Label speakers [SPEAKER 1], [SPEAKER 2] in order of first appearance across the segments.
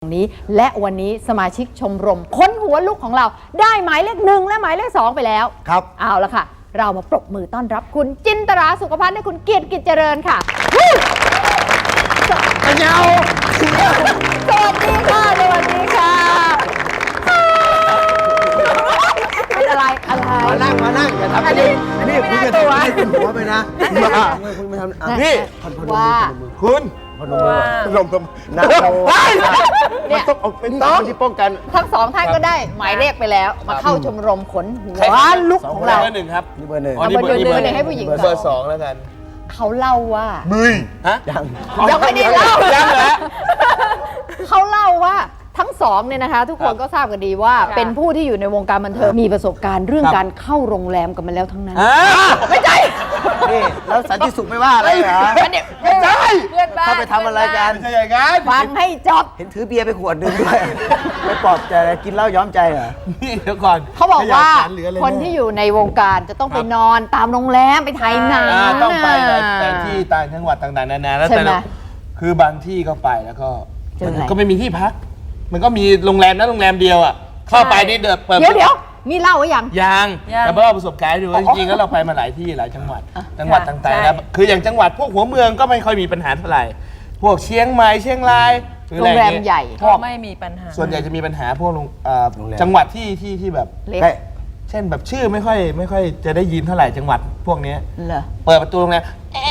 [SPEAKER 1] นี้และวันนี้สมาชิกชมรมค้นหัวลุกของเราได้หมายเลข1และหมายเลข2ไปแล้ว
[SPEAKER 2] ครับ
[SPEAKER 1] เอาละค่ะเรามาปรบมือต้อนรับคุณจินตราสุขภัณฑ์และคุณเกียรติกิจเจริญค่ะ
[SPEAKER 2] ปัญญา
[SPEAKER 1] สวัสดีค่ะสวัสดีค่ะเป็นอะไร
[SPEAKER 2] มานั่งอย่าทำอันนี้คุณจะทำให้คุณหัวไปนะคุณไม่ทำ
[SPEAKER 1] นี่ว่า
[SPEAKER 2] คุณพนมนะเนี่ยต้องเอาเป็นต้องที่ป้องกัน
[SPEAKER 1] ทั้งสองท่านก็ได้หมายเลขไปแล้วมาเข้าชมรมขนหัวลุกของเรา
[SPEAKER 3] เบอร์ 1ครับ
[SPEAKER 2] นี่เบอร์ 1
[SPEAKER 1] เอาเบอร์ 1ให้ผู้หญิง
[SPEAKER 3] เบอร์ 2แล้วกัน
[SPEAKER 1] เขาเล่าว่า
[SPEAKER 3] ฮะ
[SPEAKER 1] ยังไม่ได้เล่า
[SPEAKER 3] ยังเหรอ
[SPEAKER 1] เขาเล่าว่าทั้งสองเนี่ยนะคะทุกคนก็ทราบกันดีว่าเป็นผู้ที่อยู่ในวงการบันเทิงมีประสบการณ์เรื่องการเข้าโรงแรมกันมาแล้วทั้งนั้นไม่ใช่
[SPEAKER 2] นี่แล้วสันติสุขไม่ว่าอะไรเหรอ
[SPEAKER 1] ไม่ใช่
[SPEAKER 2] ถ้าไปทำอะไรกัน
[SPEAKER 3] ไม่ใช่อย่างนั้น
[SPEAKER 1] ฟังให้จบ
[SPEAKER 2] เห็นถือเบียร์ไปขวดนึงด้วยไม่ปลอบใจกินเหล้าย้อมใจเหรอ
[SPEAKER 3] นี่เดี๋ยวก่อน
[SPEAKER 1] เขาบอกว่าคนที่อยู่ในวงการจะต้องไปนอนตามโรงแรมไปถ่ายหนัง
[SPEAKER 3] ต้องไปแต่ที่ต่างจังหวัดต่างๆนานาแล้วแต่คือบางที่ก็ไปแล้วก็ไม่มีที่พักมันก็มีโรงแรมนะโรงแรมเดียวอ่ะเข้าไปนี่เ
[SPEAKER 1] ดี๋ยวมีเล่าไว้ยัง
[SPEAKER 3] แต่เพราะประสบการณ์ดูจริงๆแล้วเราไปมาหลายที่หลายจังหวัดต่างๆนะคืออย่างจังหวัดพวกหัวเมืองก็ไม่ค่อยมีปัญหาเท่าไหร่พวกเชียงใหม่เชียงราย
[SPEAKER 1] โรงแรมใหญ่
[SPEAKER 4] ก็ไม่มีปัญหา
[SPEAKER 3] ส่วนใหญ่จะมีปัญหาพวกจังหวัดที่แบบเช่นแบบชื่อไม่ค่อยจะได้ยินเท่าไหร่จังหวัดพวกนี้เปิดประตูโรงแรม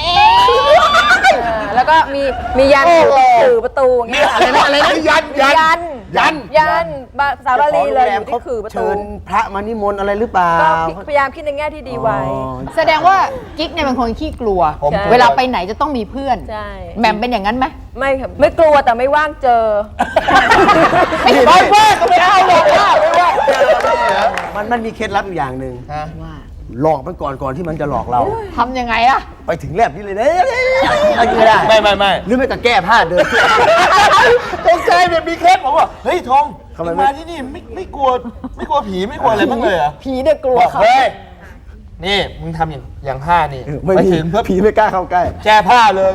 [SPEAKER 4] แล้วก็มียันถือประตูอย่างเงี้ย
[SPEAKER 3] อะไรนะ
[SPEAKER 4] ยันสาวรีเลยอยู่ที่คือประตู
[SPEAKER 2] พระมานิมนต์อะไรหรือเปล่า
[SPEAKER 4] ก็พยายามคิดในแง่ที่ดีไว้
[SPEAKER 1] แสดงว่ากิ๊กเนี่ยเป็นคนขี้กลัวเวลาไปไหนจะต้องมีเพื่อนแหม่มเป็นอย่างนั้นไหม
[SPEAKER 4] ไม่ครับไม่กลัวแต่ไม่ว่างเจอ
[SPEAKER 3] ไม่ว่างก็ไม่เอาหรอกไม่ว่าง
[SPEAKER 2] มันมีเคล็ดลับอยู่อย่างหนึ่งว่าหลอกมันก่อนที่มันจะหลอกเรา
[SPEAKER 1] ทำยังไงอะ
[SPEAKER 2] ไปถึงแลบนี่เลยนะไม่ได้
[SPEAKER 3] ไม่
[SPEAKER 2] หรือไม่ก็แก้ผ้าเดิน
[SPEAKER 3] ตกใจแบบมีเคล็ดผมว่าเฮ้ยทองมาที่นี่ไม่กลัวผีไม่กลัวอะไรบ้างเลยเหรอ
[SPEAKER 1] ผีเนี่ยกลัว
[SPEAKER 3] เขาเฮ้ยนี่มึงทำอย่างผ้านี่
[SPEAKER 2] ไปถึงเพื่อผีไม่กล้าเข้าใกล้
[SPEAKER 3] แก้ผ้าเลย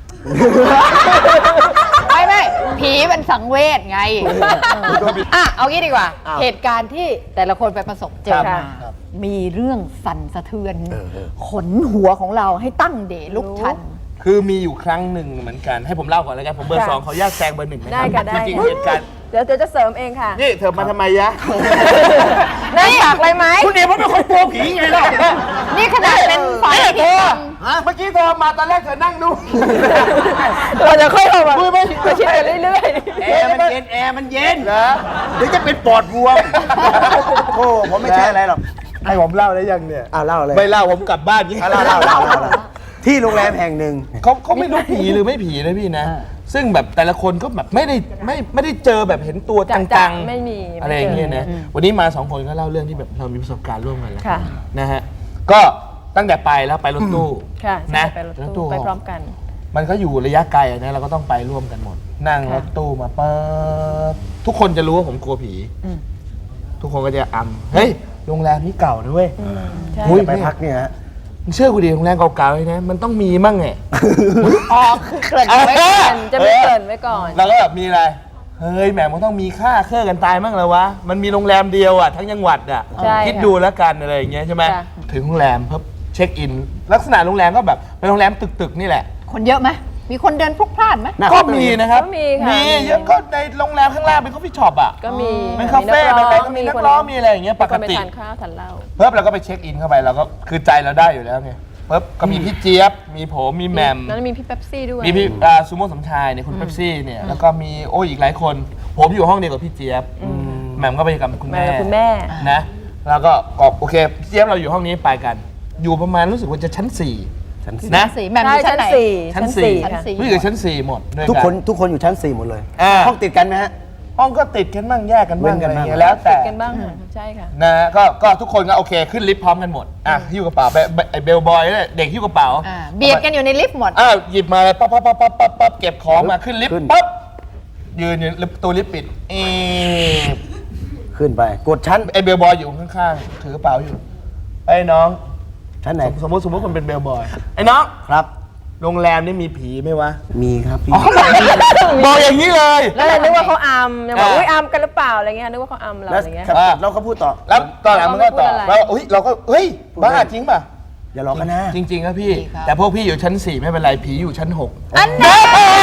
[SPEAKER 1] ไม่ผีมันสังเวชไงเอางี้ดีกว่าเหตุการณ์ที่แต่ละคนไปประสบเจอมามีเรื่องสั่นสะเทือนขนหัวของเราให้ตั้งเดลุกชัน
[SPEAKER 3] คือมีอยู่ครั้งหนึ่งเหมือนกันให้ผมเล่าก่อนแล้วกันผมเบอร์ 2เขาแยกแซงเบอร์ 1
[SPEAKER 4] นะครับ
[SPEAKER 3] จริงๆเหตุการณ์
[SPEAKER 4] เดี๋ยวจะเสริมเองค่ะ
[SPEAKER 3] นี่เธอมาทำไมยะ
[SPEAKER 4] ได้อยากอะไรไหม
[SPEAKER 3] คุณเอ๋เป็นคนกลัวผีไงล่ะ
[SPEAKER 1] นี่ขนาดเป็นฝ่าย
[SPEAKER 3] เธอเมื่อกี้เธอมาตอนแรกเธอนั่งดู
[SPEAKER 4] เราจะค่อยเอา
[SPEAKER 3] คุย
[SPEAKER 4] ไปชิดกันเรื่อย
[SPEAKER 2] ๆแอร์มันเย็นเหรอเดี๋ยวจะเป็นปอดบวมโอ้ผมไม่ใช่อะไรหรอก
[SPEAKER 3] ให้ผมเล่าได้ยังเนี่ย
[SPEAKER 2] เล่าเลย
[SPEAKER 3] ไม่เล่าผมกลับบ้าน
[SPEAKER 2] เล่าที่โรงแรมแห่งหนึ่ง
[SPEAKER 3] เขาไม่รู้ผีหรือไม่ผีนะพี่นะซึ่งแบบแต่ละคนก็แบบไม่ได้เจอแบบเห็นตัวจังๆ
[SPEAKER 4] ไม่มี
[SPEAKER 3] อะไรอย่างเงี้ยนะวันนี้มา2คนก็เล่าเรื่องที่แบบเรามีประสบการณ์ร่วมกันแล้วนะฮะก็ตั้งแต่ไปแล้วไปรถตู้
[SPEAKER 4] นะรถตู้ไปพร้อมกัน
[SPEAKER 3] มันก็อยู่ระยะไกลนะเราก็ต้องไปร่วมกันหมดนั่งรถตู้มาปั๊บทุกคนจะรู้ว่าผมกลัวผีทุกคนก็จะเฮ้ยโรงแรมนี้เก่านะเว้ย
[SPEAKER 2] ไปพักเนี่ยฮะ
[SPEAKER 3] เชื่อกูดิโรงแรมเก่าๆเลยนะมันต้องมีมั่งไง
[SPEAKER 1] คือเกริ่นไว้ก่อน
[SPEAKER 4] จะไม่เกริ่นไว้ก่อน
[SPEAKER 3] แล้วก็แบบมีอะไรเฮ้ยแหมมันต้องมีค่าเครื่องกันตายมั่งแล้ววะมันมีโรงแรมเดียวอ่ะทั้งจังหวัดอ่ะคิดดูแล้วกันอะไรอย่างเงี้ยใช่ไหมถึงโรงแรมเพิ่มเช็คอินลักษณะโรงแรมก็แบบเป็นโรงแรมตึกๆนี่แหละ
[SPEAKER 1] คนเยอะไหมมีคนเดินพลุกพล่านไหม
[SPEAKER 3] ก็มีนะครับมีเยอะก็ในโรงแรมข้างล่างเป็นคอฟฟี่ช็อปอ่ะ
[SPEAKER 4] ก็มี
[SPEAKER 3] เป็นคาเฟ่เป็นอะไรก็มีนักร้องมีอะไรอย่างเงี้ยปกติ
[SPEAKER 4] ทานข้าวทานเหล้า
[SPEAKER 3] เพิ่มเราก็ไปเช็คอินเข้าไปเราก็คือใจเราได้อยู่แล้วไงเพิ่มก็มีพี่เจี๊ยบมีผมมีแหม่ม
[SPEAKER 4] แล้วมีพี่เป๊ปซี่ด้วย
[SPEAKER 3] มีพี่ซูโม่สมชายเนี่ยคุณเป๊ปซี่เนี่ยแล้วก็มีอีกหลายคนผมอยู่ห้องเดียวกับพี่เจี๊ยบแหม่มก็ไปกับคุณแม่นะแล้วก็โอเคพี่เจี๊ยบเราอยู่ห้องนี้ไปกันอยู่ประมาณรู้สึกว่าจะชั้น4นะ
[SPEAKER 1] แหม่มอยู่ชั้นไหน
[SPEAKER 3] ชั้น4รู้สึกชั้น4หมด
[SPEAKER 2] ทุกคนอยู่ชั้น4หมดเลยห้องติดกันไหมฮะ
[SPEAKER 3] ห้องก็ติดกันบ้างแยกกันบ้างอะไรอย่างเงี้ยแล้วแต่
[SPEAKER 4] ติดกันบ้างใช่ค่ะ
[SPEAKER 3] นะก็ทุกคนก็โอเคขึ้นลิฟต์พร้อมกันหมดหิ้วกระเป๋าไอ้เบลบอยเนี่ยเด็กหิ้วกระเป๋า
[SPEAKER 1] เบียดกันอยู่ในลิฟต์หมด
[SPEAKER 3] หยิบมาเลยปั๊บเก็บของมาขึ้นลิฟต์ปั๊บยืนอยู่ตัวลิฟต์ปิด
[SPEAKER 2] ขึ้นไปกดชั้น
[SPEAKER 3] ไอ้เบลบอยอยู่ข้างๆถือกระเป๋าอยู่ไอ้น้อง
[SPEAKER 2] ชั้นไหน
[SPEAKER 3] สมมติคนเป็นเบลบอยไอ้น้อง
[SPEAKER 2] ครับ
[SPEAKER 3] โรงแรมนี่มีผีไหมวะ
[SPEAKER 2] มีครับพี่
[SPEAKER 3] บอกอย่างนี้เลย
[SPEAKER 4] แล้วเลยนึกว่าเขาอัมยังบอก
[SPEAKER 3] อ่า
[SPEAKER 4] อุ้ยอัมกันหรือเปล่าอะไรเงี้ยนึกว่าเขาอัมเรา
[SPEAKER 2] แล้ว
[SPEAKER 4] อะไรเงี้ย
[SPEAKER 2] ครับแล้วเขาพูดต่อ
[SPEAKER 3] แล้วตอนหลังมันก็ตอบ
[SPEAKER 4] เราไม่พูดอะไร
[SPEAKER 3] แล้วเราเฮ้ยบ้าจริงป่ะ
[SPEAKER 2] อย่าหลอกกันนะ
[SPEAKER 3] จริงๆครับพี่
[SPEAKER 1] จริงครับ
[SPEAKER 3] แต่พวกพี่อยู่ชั้น 4 ไม่เป็นไรผีอยู่ชั้น 6
[SPEAKER 1] อันนั้น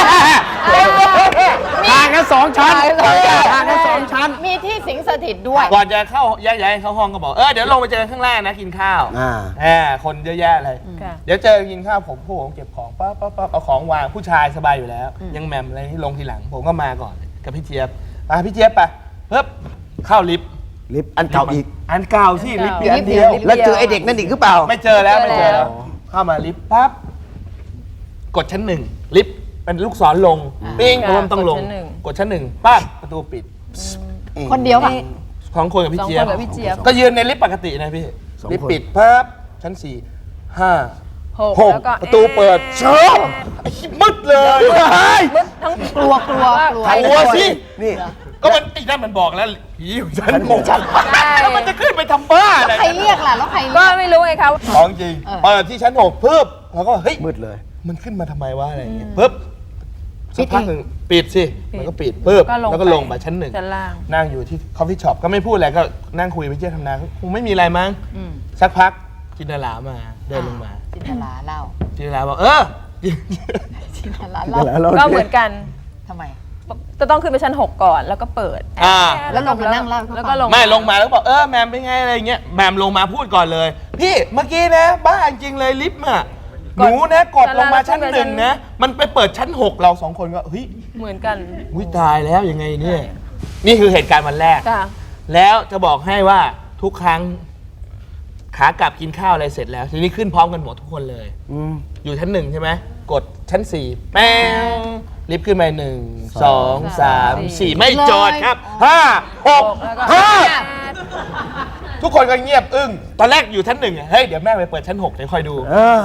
[SPEAKER 2] ห่างกัน2 ชั้นห่างกัน2 ชั้น
[SPEAKER 1] มีที่สิงสถิตด้วย
[SPEAKER 3] ก่อนจะเข้าย้ายเข้าห้องก็บอกเดี๋ยวลงไปเจอกันข้างล่างนะกินข้าว คนเยอะแยะเลย
[SPEAKER 4] ค่ะ
[SPEAKER 3] เดี๋ยวเจอกินข้าวผมเก็บของปั๊บเอาของวางผู้ชายสบายอยู่แล้ว ยังแหมมอะไรที่ลงทีหลัง ผมก็มาก่อนกับพี่เจี๊ยบพี่เจี๊ยบไปปึ๊บเข้าลิฟต์
[SPEAKER 2] ลิฟต์อันเก่าอีก
[SPEAKER 3] อันเก่าสิลิฟต์มีอันเดียว
[SPEAKER 2] แล้วเจอไอเด็กนั่นอีกหรือเปล่า
[SPEAKER 3] ไม่เจอแล้วเข้ามาลิฟต์ปั๊บกดชั้น 1ลิฟต์เป็นลูกศรลงปิ้ง
[SPEAKER 4] ค่ะ
[SPEAKER 3] ผมต้องลง
[SPEAKER 4] กดชั้นหนึ่ง
[SPEAKER 3] กดชั้น 1ปั๊บประตูปิด
[SPEAKER 1] คนเดียวป่ะ
[SPEAKER 3] ของคนกับพี่
[SPEAKER 4] สอง
[SPEAKER 3] เจี๊ย
[SPEAKER 4] ค
[SPEAKER 3] บ
[SPEAKER 4] นกับพี่เจี๊ยบ
[SPEAKER 3] ก็ยืนในลิฟต์ปกตินะพี่
[SPEAKER 2] สองคน
[SPEAKER 3] ลิฟต์ปิดปั๊บชั้น 4 5
[SPEAKER 4] หก
[SPEAKER 3] 6
[SPEAKER 4] แล้วก็
[SPEAKER 3] ประตูเปิดเช้ามืดเลย
[SPEAKER 4] มืดทั้ง
[SPEAKER 1] กลัว
[SPEAKER 3] กลัวสิ
[SPEAKER 2] นี่
[SPEAKER 3] ก็มันไอ้นั่นมันบอกแล้วผีอยู่ชั้น 6
[SPEAKER 4] ใช่
[SPEAKER 3] แล้วมันจะขึ้นไปทำบ้าอะไร
[SPEAKER 1] ใครเรียกล่ะ แล้วใคร
[SPEAKER 4] ก็
[SPEAKER 1] เรียก
[SPEAKER 4] ไม่รู้ไงครับ
[SPEAKER 3] ของจริงเปิดที่ชั้น 6ปึ๊บแล้วก็เฮ้ย
[SPEAKER 2] มืดเลย
[SPEAKER 3] มันขึ้นมาทำไมวะอะไรอย่างเงี้ยปึ๊บสักพักหนึ่งปิดสิมันก็ปิดปึ๊บแล้วก็ลงมาชั้น 1
[SPEAKER 4] ชั้นล่าง
[SPEAKER 3] นั่งอยู่ที่คอฟฟี่ช็อปก็ไม่พูดอะไรก็นั่งคุยไปเที่ยวทำงานคงไม่มีอะไรมั้งสักพักจินตลามาเดินลงมา
[SPEAKER 1] จินตลาเล่า
[SPEAKER 3] จินตลาบอก
[SPEAKER 1] จินตลาเล่า
[SPEAKER 4] ก็เหมือนกัน
[SPEAKER 1] ทำไม
[SPEAKER 4] จะต้องขึ้นไปชั้น 6 ก่อนแล้วก็เปิด
[SPEAKER 1] แล้วลงมานั่งเล่าให้เขาฟัง
[SPEAKER 4] แล้วก็ลง
[SPEAKER 3] ไม่ลงมาแล้วก็บอกแมมเป็นไงอะไรเงี้ยแมมลงมาพูดก่อนเลย พี่เมื่อกี้นะบ้าจริงเลยลิฟต์อะหนูนะกดลงมาชั้น 1นะมันไปเปิดชั้น 6เรา2คนก็เฮ้ย
[SPEAKER 4] เหมือนกัน
[SPEAKER 3] อุ้ยตายแล้วยังไงเนี่ยนี่คือเหตุการณ์วันแรก
[SPEAKER 4] ค่ะ
[SPEAKER 3] แล้วจะบอกให้ว่าทุกครั้งขากลับกินข้าวอะไรเสร็จแล้วทีนี้ขึ้นพร้อมกันหมดทุกคนเลย อยู่ชั้น 1ใช่ไหมกดชั้น 4แป้งลิฟต์ขึ้นไป1 2 3 4ไม่จอดครับ5 6 5ทุกคนก็เงียบอึ้งตอนแรกอยู่ชั้น 1เฮ้ยเดี๋ยวแม่ไปเปิดชั้น 6เดี๋ยวคอยดู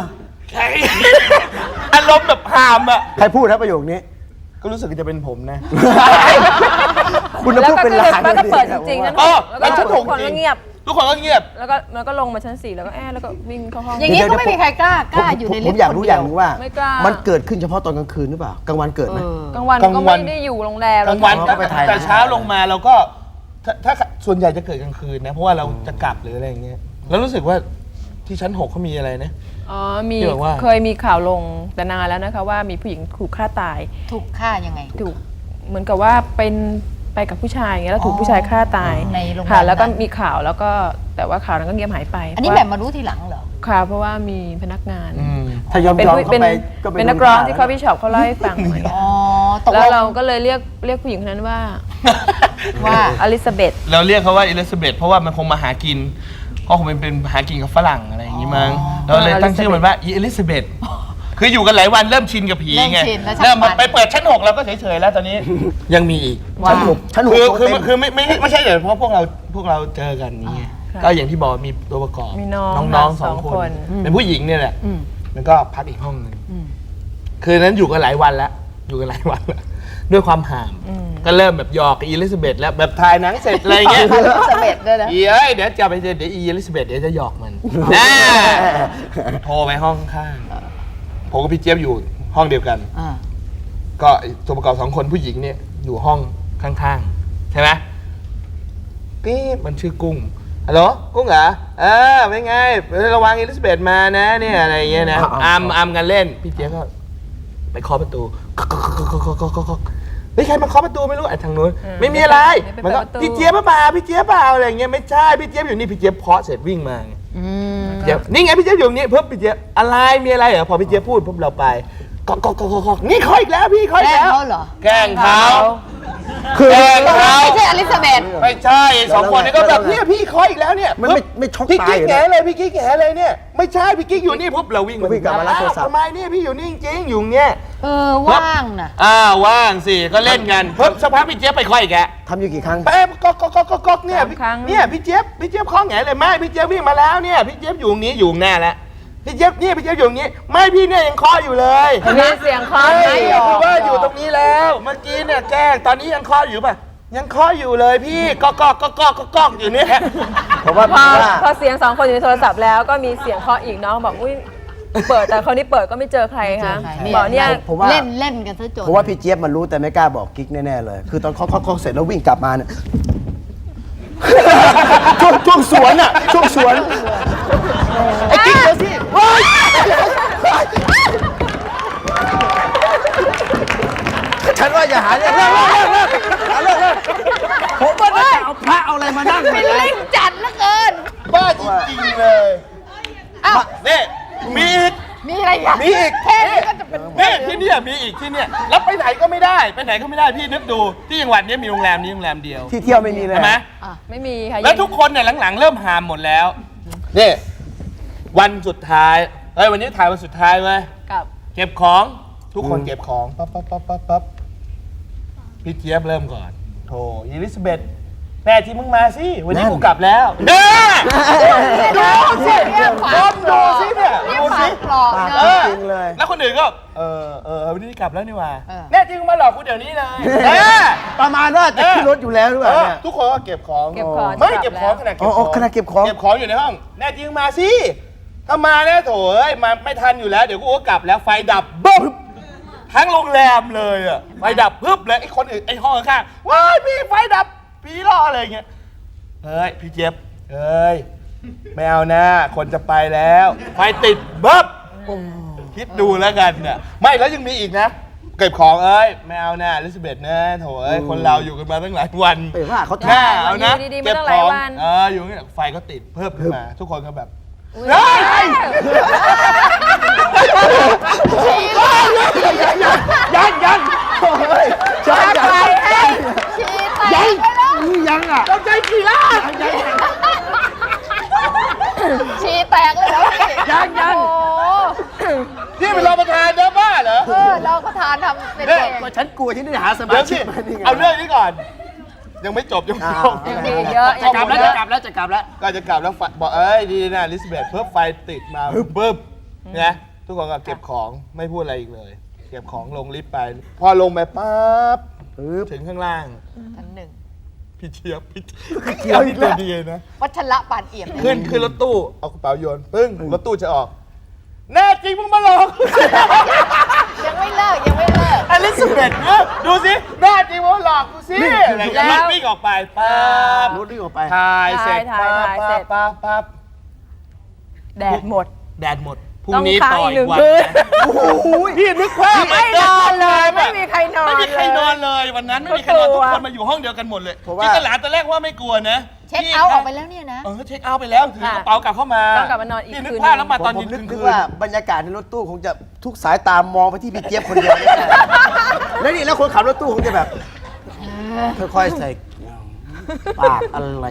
[SPEAKER 3] อารมณ์แบบหามอ่ะ
[SPEAKER 2] ใครพูดครับประโยคนี้
[SPEAKER 3] ก็รู้สึกจะเป็นผมนะ
[SPEAKER 2] คุณจะ
[SPEAKER 4] แล้ว
[SPEAKER 2] พูด
[SPEAKER 4] ก็
[SPEAKER 2] เป็น
[SPEAKER 4] คือ
[SPEAKER 2] ลาง
[SPEAKER 4] แล้วก็เปิดจริงๆ
[SPEAKER 2] นะ
[SPEAKER 4] ชั้น
[SPEAKER 3] แล้วชั้น
[SPEAKER 4] ทุ
[SPEAKER 3] 6
[SPEAKER 4] กคน
[SPEAKER 3] จริ
[SPEAKER 4] ก็
[SPEAKER 3] ง
[SPEAKER 4] เงียบ
[SPEAKER 3] ทุกคนก็เงียบ
[SPEAKER 4] แล้วก็ลงมาชั้น 4 แล้วก็แล้วก็วิ่งเข้าห้อง
[SPEAKER 1] อย่างนี้ก็ไม่มีใครกล้าอยู่ในลิฟต์
[SPEAKER 2] ผมอยากรู้อย่างหนึงว่า
[SPEAKER 4] ไม่กล้ามั
[SPEAKER 2] มันเกิดขึ้นเฉพาะตอนกลางคืนหรือเปล่ากลางวันเกิดไหม
[SPEAKER 4] กลางวัน
[SPEAKER 3] กลาง
[SPEAKER 4] ก็
[SPEAKER 3] วัน
[SPEAKER 4] ไม่ได้อยู่โรงแรม
[SPEAKER 3] กลางวัน
[SPEAKER 2] เราก็ไปถ่าย
[SPEAKER 3] แต่เช้าลงมาเราก็ถ้าส่วนใหญ่จะเกิดกลางคืนนะเพราะว่าเราจะกลับหรืออะไรอย่างเงี้ยแล้วรู้สึกว่าที่ชั้น 6เขามีอะไรนะ
[SPEAKER 4] อ๋อมี
[SPEAKER 3] ที่บอกว่า
[SPEAKER 4] เคยมีข่าวลงแต่นานแล้วนะคะว่ามีผู้หญิงถูกฆ่าตาย
[SPEAKER 1] ถูกฆ่ายังไง
[SPEAKER 4] ถูกเหมือนกับว่าเป็นไปกับผู้ชายอย่างเงี้ยแล้วถูกผู้ชายฆ่าตาย
[SPEAKER 1] ในโรงแรม
[SPEAKER 4] ค่ะแล้วก็
[SPEAKER 1] นั้น
[SPEAKER 4] มีข่าวแล้วก็แต่ว่าข่าวนั้นก็เงียบหายไป
[SPEAKER 1] อันนี้
[SPEAKER 4] เพ
[SPEAKER 1] แบ
[SPEAKER 4] ราะ
[SPEAKER 1] บมารู้ทีหลังเหรอ
[SPEAKER 4] ค่ะเพราะว่ามีพนักงาน
[SPEAKER 2] ถ้ายอม
[SPEAKER 4] เป็น
[SPEAKER 2] ยอม
[SPEAKER 4] ผู้
[SPEAKER 2] เข้า
[SPEAKER 4] เป็น
[SPEAKER 2] ไปก็
[SPEAKER 4] เป็นนักร้องที่เขาพี่ช็อปเขาเล่าให้ฟังเหมือนกัน
[SPEAKER 1] อ๋อ ตก
[SPEAKER 4] แล้
[SPEAKER 1] ล
[SPEAKER 4] ว
[SPEAKER 1] ง
[SPEAKER 4] เราก็เลยเรียกผู้หญิงคนนั้นว่า
[SPEAKER 1] ว่า
[SPEAKER 4] อลิซาเบธ
[SPEAKER 3] เราเรียกเขาว่าอิลิซาเบธเพราะว่ามันคงมาหากินก็คงเป็นหากินกับฝรั่งอะไรอย่างงี้มั้งเราเลยตั้งชื่อมันว่าอิลิซาเบธคืออยู่กันหลายวันเริ่มชินกับผีไง
[SPEAKER 1] เริ่มชินแล้วชัก
[SPEAKER 3] เริ่ม
[SPEAKER 1] มัน
[SPEAKER 3] ไปเปิดชั้น 6แล้วก็เฉยๆแล้วตอนนี้ยังมีอีก
[SPEAKER 2] ชั้นหกชั้นหก
[SPEAKER 3] คือไม่ใช่เดี๋ยวเพราะพวกเราเจอกันนี้ไงก็อย่างที่บอกมีตัวประกอบ
[SPEAKER 4] มีน้อง
[SPEAKER 3] น้อง
[SPEAKER 4] สอง
[SPEAKER 3] 2 ค
[SPEAKER 4] คน น
[SPEAKER 3] เป็นผู้หญิงเนี่ยแหละแล้วก็พักอีกห้องหนึงคือนั้นอยู่กันหลายวันแล้วอยู่กันหลายวันแล้วด้วยความห่ามก็เริ่มแบบหยอกกับอิลิซาเบธแล้วแบบถ่ายหนังเสร็จอะไรเงี้ย
[SPEAKER 1] อลิซาเบธด้วยนะ
[SPEAKER 3] เอ้ยเดี๋ยวจะไปเดี๋ยวอิลิซาเบธเดี๋ยวจะหยอกมันแน่โทรไปห้องข้างผมกับพี่เจี๊ยบอยู่ห้องเดียวกัน
[SPEAKER 1] อ่า
[SPEAKER 3] ก็ตัวประกอบ2 คนผู้หญิงเนี่ยอยู่ห้องข้างๆใช่ไหมนี่มันชื่อกุ้งฮัลโหลกุ้งเหรอเป็นไงระวังอิลิซาเบธมานะเนี่ยอะไรอย่างเงี้ยนะอามกันเล่นพี่เจี๊ยบก็ไปเคาะประตูเฮ้ยใครมาเคาะประตูไม่รู้ไอ้ทางนู้นไม่มีอะไรมันก็พี่เจี๊ยบเปล่าพี่เจี๊ยบเปล่าอะไรอย่างเงี้ยไม่ใช่พี่เจี๊ยบอยู่นี่พี่เจี๊ยบเคาะเสร็จวิ่งมาเจี๊ยบนี่ไงพี่เจี๊ยบอยู่นี่เพิ่มพี่เจี๊ยบอะไรมีอะไรเหรอพอพี่เจี๊ยบพูดปุ๊บเราไปก็นี่เคาะอีกแล้วพี่เคาะ
[SPEAKER 1] แก
[SPEAKER 3] อี
[SPEAKER 1] ล้
[SPEAKER 3] ก
[SPEAKER 1] ง
[SPEAKER 3] แล้ว
[SPEAKER 1] เขาเหรอ
[SPEAKER 3] แกล้งเขา
[SPEAKER 2] คือ
[SPEAKER 3] แกล้งเขา
[SPEAKER 1] ไม่ใช่อลิซาเบธ
[SPEAKER 3] ไม่ใช่2 คนนี้ก็แบบเนี่ยพี่เคาะอีกแล้วเนี่ย
[SPEAKER 2] มันไม่ช็อก
[SPEAKER 3] พี่
[SPEAKER 2] ตา
[SPEAKER 3] กิ๊
[SPEAKER 2] ย
[SPEAKER 3] ก
[SPEAKER 2] อยู่
[SPEAKER 3] แห
[SPEAKER 2] นะ
[SPEAKER 3] เลยพี่กิ๊กแหเลยเนี่ยไม่ใช่พี่กิ๊กอยู่นี่ปุ๊บเราวิ่ง
[SPEAKER 2] วิ่งกลับมารับโทรศัพท์
[SPEAKER 3] ทำไมเนี่ยพี่อยู่นี่จริงๆอยู่เนี่ย
[SPEAKER 1] ว่างนะ
[SPEAKER 3] ว่างสิก็เล่นกันปุ๊บสักพักพี่เจี๊ยบไปเคาะอีกแก
[SPEAKER 2] ทำอยู่กี่ครั้ง
[SPEAKER 3] แป๊บก๊อกเนี่ย
[SPEAKER 4] 3 ครั้ง
[SPEAKER 3] เนี่ยพี่เจี๊ยบเคาะแหงเลยไม่พี่เจี๊ยบวิ่งมาแล้วเนี่ยพี่เจี๊ยบอยู่ตรงนี้อยู่แน่แล้วพี่เจี๊ยบอยู่อย่างนี้ไม่พี่เนี่ยยังเคาะอยู่เลย
[SPEAKER 4] มีเสียงเคาะ
[SPEAKER 3] ใช่
[SPEAKER 4] ไหม
[SPEAKER 3] คือว่าอยู่ตรงนี้แล้วเมื่อกี้เนี่ยแกล้งตอนนี้ยังเคาะอยู่ป่ะยังเคาะอยู่เลยพี่ก๊อกอยู่เนี่ย
[SPEAKER 2] เพราะว่า
[SPEAKER 4] พอเสียง2 คนอยู่ในโทรศัพท์แล้วก็มีเสียงเคาะอีกน้องบอกอุ้ยเปิดแต่คราวนี้เปิดก็ไม่เจอใครค่ะ
[SPEAKER 1] นี่
[SPEAKER 4] บอกเนี่ย
[SPEAKER 2] ผมว่า
[SPEAKER 1] เล่นกันซะจน
[SPEAKER 2] เพราะว่าพี่เจี๊ยบมันรู้แต่ไม่กล้าบอกกิ๊กแน่ๆเลย คือตอนเขาเสร็จแล้ววิ่งกลับมาเนี่ย ช่วงสวนอ่ะช่วงสวนไอ้กิ๊กเดี๋ยวสิเฮ้ยฉันว่าอย่าหาเรื่องเลิกผมว่าจะเอาพระเอาอะไรมานั่ง
[SPEAKER 1] เป็นเล่นจัดเหลือเกิน
[SPEAKER 3] บ้าจริงๆเลย
[SPEAKER 1] อ้าว
[SPEAKER 3] นี่มีอีก
[SPEAKER 1] มีอะไรอ่ะ
[SPEAKER 3] มีอีก
[SPEAKER 1] แค่นี้ก็จะเป็น
[SPEAKER 3] นี่ที่เนี่ยมีอีกที่เนี่ยแล้วไปไหนก็ไม่ได้ไปไหนก็ไม่ได้พี่นึกดูที่จังหวัดนี้มีโรงแรมนี้โรงแรมเดียว
[SPEAKER 2] ที่เที่ยวไม่มีเลย
[SPEAKER 3] ใช่ไหม
[SPEAKER 4] ไม่มีค่ะ
[SPEAKER 3] แล้วทุกคนเนี่ยหลังๆเริ่มหามหมดแล้วนี่วันสุดท้ายเฮ้ยวันนี้ถ่ายวันสุดท้ายเว้ย
[SPEAKER 4] กับ
[SPEAKER 3] เก็บของทุกคนเก็บของปั๊บพี่เจี๊ยบเริ่มก่อนโธ่อิลิซาเบธแม่ที่มึงมาสิวันนี้กูกลับแล้วเนี่ยดูสิดูสิเนี่ยดูสิ
[SPEAKER 1] ปลอก
[SPEAKER 2] ปาก
[SPEAKER 1] เน
[SPEAKER 3] เอ
[SPEAKER 1] อะ
[SPEAKER 3] อ
[SPEAKER 2] จริงเลย
[SPEAKER 3] แล้วคนอื่นก็วันนี้กลับแล้วนี่หว่า
[SPEAKER 1] เออ
[SPEAKER 3] แน่จริงมึงมาหลอกกูเดี๋ยวนี้เลย
[SPEAKER 2] ประมาณว่าจะขึ้นรถอยู่แล้วหรือเปล่าเนี่ย
[SPEAKER 3] ทุกคนก็เก็บของ
[SPEAKER 4] เก็บของ
[SPEAKER 3] ไม่เก็บของขนาดเก็บ
[SPEAKER 2] อ๋
[SPEAKER 3] ข
[SPEAKER 2] อ
[SPEAKER 3] อง
[SPEAKER 2] ขนาดเก็บของ
[SPEAKER 3] เก็บของอยู่ในห้องแน่จริงมาสิถ้ามาแน่โถเอ้ยมาไม่ทันอยู่แล้วเดี๋ยวกูก็กลับแล้วไฟดับบึ้มทั้งโรงแรมเลยอ่ะไฟดับปึ๊บเลยไอ้คนอื่นไอ้ห้องข้างๆว้ายพี่ไฟดับผีล่ออะไรอย่างเงี้ยเฮ้ยพี่เจี๊ยบเฮ้ยไม่เอานะคนจะไปแล้วไฟติดบึ๊บคิดดูแล้วกันเนี่ยไม่แล้วยังมีอีกนะเก็บของเอ้ยไม่เอานะอลิซาเบธนะโถเอ้ยคนเราอยู่กันมาตั้งหลายวัน
[SPEAKER 2] เอ้ยว่าเขา
[SPEAKER 3] หน้าเอานะ
[SPEAKER 4] อยู่ดีๆ
[SPEAKER 3] เก็บ
[SPEAKER 4] มาตั้งหลายวัน
[SPEAKER 3] อยู่เนี่ยไฟก็ติดเพิ่มขึ้นมา ทุกคนก็แบบเฮ้ยยังโอ้ย
[SPEAKER 2] ยัง
[SPEAKER 1] ชีแตกไปแล้ว
[SPEAKER 2] ยังอ่ะ
[SPEAKER 3] เราใจกี่ล้าน
[SPEAKER 1] ชีแตกเลยแล้วพี่
[SPEAKER 2] ยัง
[SPEAKER 1] โอ้
[SPEAKER 3] นี่เป็นรองประธานเด้อบ้าเหรอ
[SPEAKER 1] เราก็ทานทำเป็น
[SPEAKER 3] เนี่ย
[SPEAKER 1] เด็ก
[SPEAKER 2] ก็ฉันกลัวที่ได้หาสมา
[SPEAKER 3] เดี๋ยว
[SPEAKER 2] ชิ
[SPEAKER 3] สิ
[SPEAKER 2] กมานี่ไง
[SPEAKER 3] เอาเรื่องนี้ก่อน ยังไม่จบยังไม่จบ
[SPEAKER 1] ยังมี
[SPEAKER 4] เยอะ
[SPEAKER 2] จะกลับแล้วจะกลับแล้วจะกลับแล้ว
[SPEAKER 3] ก็จะกลับแล้วไฟบอกเอ้ยดีนะอลิซาเบธเพิ่มไฟติดมาปึ๊บนะทุกคนก็เก็บของไม่พูดอะไรอีกเลย เก็บของลงลิฟต์ไป พอลงไปปั๊บถึงข้างล่าง
[SPEAKER 1] ชั้นหนึ่ง
[SPEAKER 3] พี่เจี๊ยบพี่เจี๊ยบนี่ตัวดีนะ
[SPEAKER 1] วัชระปานเอี่ยม
[SPEAKER 3] ขึ้นรถตู้เอากระเป๋าโยนปึ้งรถตู้จะออก แน่จริงมึงมาหลอก
[SPEAKER 1] ยังไม่เลิกยังไม่เลิก
[SPEAKER 3] อลิซาเบธเนี่ยดูสิแน่จริงมึงมาหลอกกูสิอะไรอย่างเงี้ยรถวิ่งออกไปปั๊บ
[SPEAKER 2] รถวิ่งออกไป
[SPEAKER 3] ถ่ายเสร็จ
[SPEAKER 4] ถ่ายเสร็จ
[SPEAKER 3] ปั๊บ
[SPEAKER 4] แดดหมด
[SPEAKER 3] แดดหมดพรุ่งนี้
[SPEAKER 4] ต้อง
[SPEAKER 3] ต่อ
[SPEAKER 4] ค้างอีก
[SPEAKER 3] อีกวัน
[SPEAKER 4] หนึ่งคืน
[SPEAKER 3] นะโอ้โหพี่นึกภาพ
[SPEAKER 4] ไม่นอนเลยไม่มีใครนอน
[SPEAKER 3] ไม่มีใครนอนเลยวันนั้นไม่มีใครนอน
[SPEAKER 4] กลั
[SPEAKER 3] ทุ
[SPEAKER 4] ว
[SPEAKER 3] กคนมาอยู่ห้องเดียวกันหมดเลย
[SPEAKER 2] เพราะว่า
[SPEAKER 3] ที่ตลาดตอนแรกว่าไม่กลัวนะ
[SPEAKER 1] เช็คเอาท์ออกไปแล้วเนี่ยนะ
[SPEAKER 3] เช็คเอาท์ไปแล้วถือกระเป๋ากลับเข้ามา
[SPEAKER 4] ต้องกลับมานอนอีก
[SPEAKER 3] พี่นึก
[SPEAKER 4] คืน
[SPEAKER 3] ภาพแล้วมาตอน
[SPEAKER 2] ผม
[SPEAKER 3] เย็น
[SPEAKER 2] นึก
[SPEAKER 3] คืน
[SPEAKER 2] ว่าบรรยากาศในรถตู้คงจะทุกสายตามองไปที่พี่เจี๊ยบคนเดียวแน่ๆแล้วนี่แล้วคนขับรถตู้คงจะแบบค่อยๆใส่ปากอะไร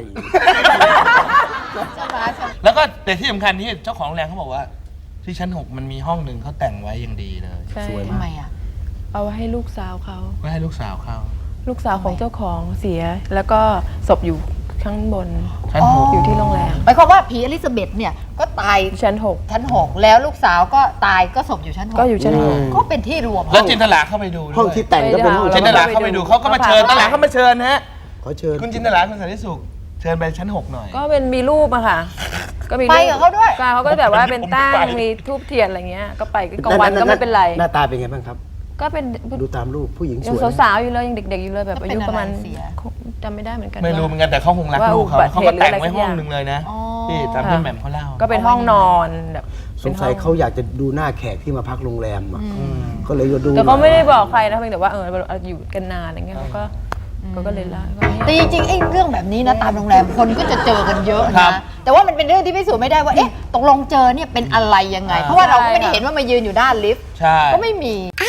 [SPEAKER 3] แล้วก็แต่ที่สำคัญที่เจ้าของโรงแรมเขาบอกว่า ที่ชั้น 6 มันมีห้องหนึ่งเขาแต่งไว้อย่างดีเลย
[SPEAKER 4] ใช่
[SPEAKER 1] ทำไมอ่ะ
[SPEAKER 4] เอาไว้ให้ลูกสาวเขา
[SPEAKER 3] ไว้ให้ลูกสาวเขา
[SPEAKER 4] ลูกสาวของเจ้าของเสีย แล้วก็ศพอยู่ข้างบน
[SPEAKER 3] ชั้น 6
[SPEAKER 4] อยู่ที่โรงแรม
[SPEAKER 1] หมายความว่าผีอลิซาเบธเนี่ยก็ตาย
[SPEAKER 4] ชั้น
[SPEAKER 1] ชั้น 6 แล้วลูกสาวก็ตายก็ศพอยู่ชั้น 6
[SPEAKER 4] ก็อยู่ชั้น
[SPEAKER 1] ก็เป็นที่รวม
[SPEAKER 3] แล้วจินตลาเข้าไปดูด้วย
[SPEAKER 2] ห้องที่แต่งก็เป็นห้อง
[SPEAKER 3] จินตลาเข้าไปดูเขาก็มาเชิญตลาเข้ามาเชิญนะฮะ
[SPEAKER 2] ขอเชิญ
[SPEAKER 3] คุณจินตลาคุณสันติสุขเชิญไปชั้น 6 หน่อย
[SPEAKER 4] ก็เป็นมีรูปอะค่ะ ก็มี
[SPEAKER 1] ไปกับเขาด้วย
[SPEAKER 4] ก็เขาก็แบบว่าเป็นตั้ง
[SPEAKER 3] ผมไป
[SPEAKER 4] มีทูบเทียนอะไรเงี้ย ก็ไปกลางวันก็ไม่เป็นไร
[SPEAKER 2] หน้าตาเป็นไงบ้างครับ
[SPEAKER 4] ก็เป็น
[SPEAKER 2] ดูตามรูปผู้หญิงส
[SPEAKER 4] ยัง
[SPEAKER 2] วย
[SPEAKER 4] สาวๆอยู่เลยยังเด็กๆอยู่เลยแบบ
[SPEAKER 1] ก็
[SPEAKER 4] อา
[SPEAKER 1] เป็น
[SPEAKER 4] ยุประมาณ
[SPEAKER 1] อะไรเสีย
[SPEAKER 4] จำไม่ได้เหมือนกัน
[SPEAKER 3] ไม่รู้
[SPEAKER 4] ว่า
[SPEAKER 3] เหมือนกันแต่เขาคงรัก
[SPEAKER 4] ว่า
[SPEAKER 3] ลูกเขา
[SPEAKER 4] อุบัติ
[SPEAKER 3] เขา
[SPEAKER 4] เห
[SPEAKER 3] ก็
[SPEAKER 4] ตุ
[SPEAKER 3] แต่ง
[SPEAKER 4] หรืออะไร
[SPEAKER 3] ไว้
[SPEAKER 4] สัก
[SPEAKER 3] ห้อง
[SPEAKER 4] อย่าง
[SPEAKER 3] หนึ่งเลยนะ
[SPEAKER 1] อ๋อ
[SPEAKER 3] ที่ตามที่แหม่มเขาเล่า
[SPEAKER 4] ก็เป็นห้องนอนแบบ
[SPEAKER 2] สงสัยเขาอยากจะดูหน้าแขกที่มาพักโรงแรมอ่ะก็เลยจะดู
[SPEAKER 4] แต่เขาไม่ได้บอกใครนะเพียงแต่ว่าเราอยู่กันนานอะไรเงี้ยเขาก็เลยเล่าก็เนี่ย
[SPEAKER 1] แต่จริงๆไอ้เรื่องแบบนี้นะตามโรงแรมคนก็จะเจอกันเยอะ
[SPEAKER 3] ครั
[SPEAKER 1] นะ
[SPEAKER 3] บ
[SPEAKER 1] แต่ว่ามันเป็นเรื่องที่พิสูจน์ไม่ได้ว่าเอ๊ะตกลงเจอเนี่ยเป็นอะไรยังไง เพราะว่าเราก็ไม่ได้เห็นว่ามายืนอยู่ด้านลิฟต์
[SPEAKER 3] ใช่
[SPEAKER 1] ก็ไม่มี